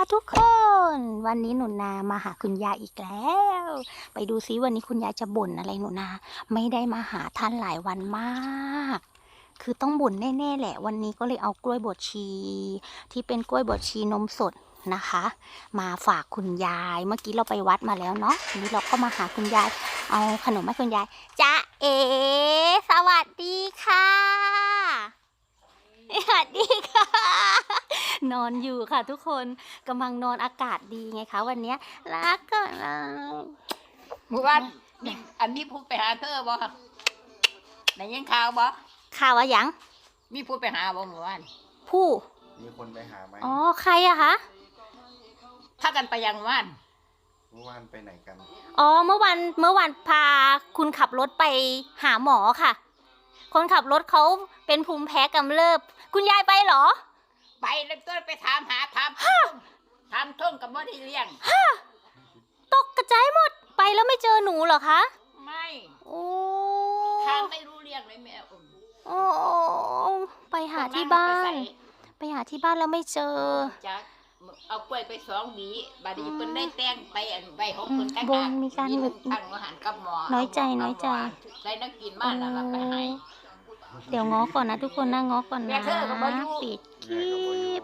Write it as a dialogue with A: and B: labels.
A: ทุกคนวันนี้หนูนามาหาคุณยายอีกแล้วไปดูซิวันนี้คุณยายจะบ่นอะไรหนูนาไม่ได้มาหาท่านหลายวันมากคือต้องบ่นแน่ๆแหละวันนี้ก็เลยเอากล้วยบดชีที่เป็นกล้วยบดชีนมสดนะคะมาฝากคุณยายเมื่อกี้เราไปวัดมาแล้วเนาะทีนี้เราก็มาหาคุณยายเอาขนมให้คุณยายจ๊ะเอ๋สวัสดีค่ะสวัสดีค่ะนอนอยู่ค่ะทุกคนกำลังนอนอากาศดีไงคะวันนี้รักก็
B: เมื่อวานนี่อันนี้พูดไปหาเธอบ่ได้ยินข่าวบ่
A: ข่าวว่าหยัง
B: มีพูดไปหาบ่เมื่อวาน
A: ผู้
C: มีคนไปหาไหม
A: อ๋อใครอะคะ
B: ถ้ากันไปยังว่าน
C: เมื่อวานไปไหนกัน
A: อ๋อเมื่อวันพาคุณขับรถไปหาหมอค่ะ คนขับรถเขาเป็นภูมิแพ้กำเริบคุณยายไปเหรอ
B: ไปแล้วตัวไปถามหาถามท่งกับบ่ได้เลี้ยง
A: ตกกระจายหมดไปแล้วไม่เจอหนูเหรอคะ
B: ไม่
A: โอ้
B: ทางไม่รู้เรื่องเลยแม่อุ่น
A: โอ้ไปหาที่บ้าน ไปหาที่บ้านแล้วไม่เจอ
B: จักเอากล้วยไป2 หวีบัดนี้เพิ่นได้แต่งไปอันใบของเพิ่นตั้ง
A: บนมีการหลุด
B: ตั้งอาหารกับหมอ
A: น้อยใจ
B: ใส่นักกินมาแล้วก็ไปให้
A: เดี๋ยวง้อก่อนนะทุกคนนะง้อก่อน
B: แม่
A: นะ
B: เธอก็บ่อยู่
A: ปิดค
C: แม่
A: ลิ
C: ก็บ่อยู่
A: ป